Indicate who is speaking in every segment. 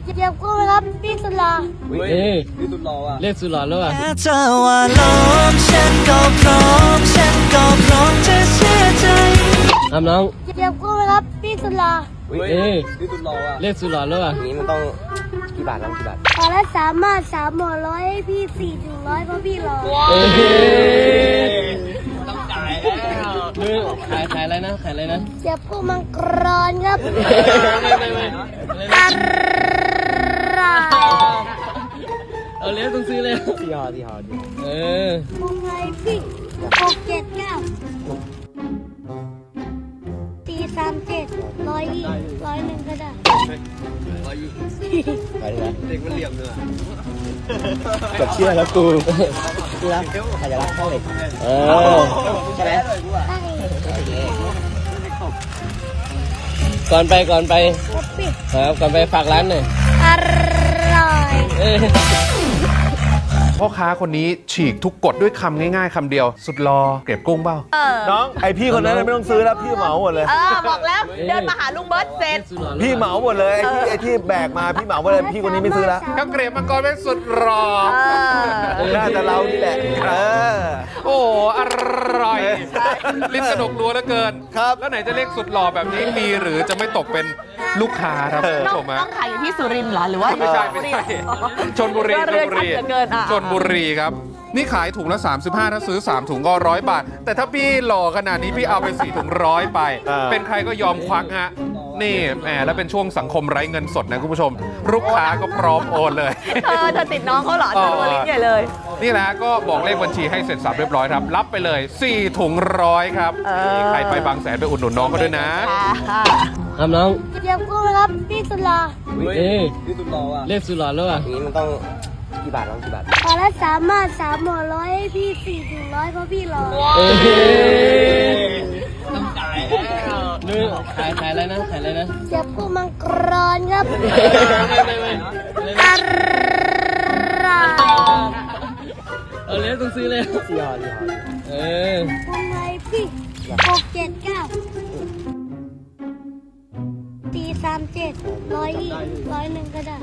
Speaker 1: เดี๋ยวกูนะครับพี่สุดหล่อ
Speaker 2: พี่สุดหล่ออ่ะ
Speaker 3: เรียกสุดหล่อแล้วอ่ะ
Speaker 4: แค่เธอว่าล้อมฉันก็พร้อมจะเสียใจ
Speaker 3: ครับน้อง
Speaker 1: เดี๋ยวกูนะครับพี่สุดหล่อ
Speaker 2: พี่สุดหล่ออ่ะ
Speaker 3: เรียกสุดหล่อแล้วอ่ะ
Speaker 2: นี้มันต้องกี่บาทครับกี่บาท
Speaker 1: ขอละ3 ห่อ100ให้พี่4 ถึง 100เพราะพี่หล่อ
Speaker 2: ต้องจ่ายแล้ว
Speaker 3: ขายอะไรนะขายอะไรนะ
Speaker 1: เดี๋ยวกูมังกรครับ
Speaker 3: ไม่
Speaker 1: อร่อย
Speaker 3: เอาเลี้ยงต้องซื้อเลย
Speaker 2: ที่หอดิ
Speaker 1: มึงไงพี่6 7 9 4 3 7 100 101ก็ได้
Speaker 2: ไปเลยเด็กมันเหลี่ยมเลย
Speaker 3: กับเชื่อแล้วกู
Speaker 2: ที่รักใครจะรักเข้าเหล็ก ใช่ไหม
Speaker 1: ได้
Speaker 3: ก่อนไป
Speaker 1: ครับพี่
Speaker 3: ครับก่อนไปฝากร้านหน่อย
Speaker 1: อร่อย
Speaker 5: พ่อค้าคนนี้ฉีกทุกกฎด้วยคำง่ายๆคำเดียว สุดรอเก็บกุ้งเปล่า
Speaker 6: น้องไอพี่คนนั้นไม่ต้องซื้อแล้วพี่เหมาหมดเลย
Speaker 7: บอกแล้วเดินมาหาลุงเบิร์ตเสร็จ
Speaker 6: พี่เหมาหมดเลยไอที่แบกมาพี่เหมาหมดเลยพี่คนนี้ไม่ซื้อแล้ว
Speaker 5: ข้าวเกรียบมังกรเป็นสุดรอ
Speaker 6: น่าจะเรานี่แหละ
Speaker 5: โอ้อร่อยลิ้นกระดกรัวเหลือเกิน
Speaker 6: ครับ
Speaker 5: แล้วไหนจะเรียกสุดหล่อแบบนี้มีหรือจะไม่ตกเป็นลูกค้าครับคุณผู้ชม
Speaker 7: น้
Speaker 5: ฮะ
Speaker 7: องขายอยู่ที่สุรินทร์เหรอหรือว่า
Speaker 5: ไม่ใช่ชนบุรี
Speaker 7: เรือชัดเหลือเกิน
Speaker 5: ชนบุรีครับ นี่ขายถุงละ 35 ถ้าซื้อ 3 ถุงก็100 บาท แต่ถ้าพี่หล่อขนาดนี้พี่เอาไป4 ถุง100 ไป เป็นใครก็ยอมควักฮะ นี่แหมแล้วเป็นช่วงสังคมไร้เงินสดนะคุณผู้ชม ลูกค้าก็พร้อมโอนเลย
Speaker 7: เธอติดน้องเขาเหรอเธอตัวลิ้นใหญ่เลย
Speaker 5: นี่แหละก็บอกเลขบัญชีให้เสร็จสับเรียบร้อยครับ รับไปเลย 4 ถุง100 ครับนี่ใครไปบางแสนไปอุดหนุนน้องเขาด้วยนะ
Speaker 3: ครับน้อง
Speaker 1: เดี๋ยวกูนะครับพี่สุดหล่อ
Speaker 2: พี่สุดหล่ออ่ะ
Speaker 3: เรียกสุดหล่อแล้วอ่ะ
Speaker 2: นี้มันต้องกี่บาทครับกี่บาท
Speaker 1: ขอละ3 ห่อ100ให้พี่4 ถึง 100เพราะพี่หล่อ
Speaker 2: ต้องจ่ายแล้ว
Speaker 3: ขายอะไรนะขายอะไรนะ
Speaker 1: เดี๋ยวกูมังกรครับ อร่อย
Speaker 3: เอาเลี้ยงต้องซื้อเลย
Speaker 2: ที่หอ
Speaker 1: มึงไงพี่6 7 9 4 3 7 101ก็ได้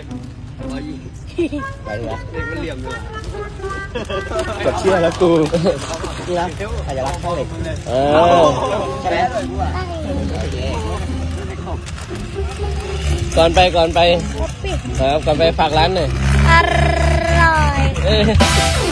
Speaker 2: ไปเลยเด็กมันเหลี่ยมเลย
Speaker 3: กับเชื่อแล้วกู
Speaker 2: ที่รักใครจะรักเข้าเหล็ก ใช่ไหม
Speaker 1: ได้
Speaker 3: ก่อนไป
Speaker 1: ครับพี่
Speaker 3: ครับก่อนไปฝากร้านหน่อย
Speaker 1: อร่อย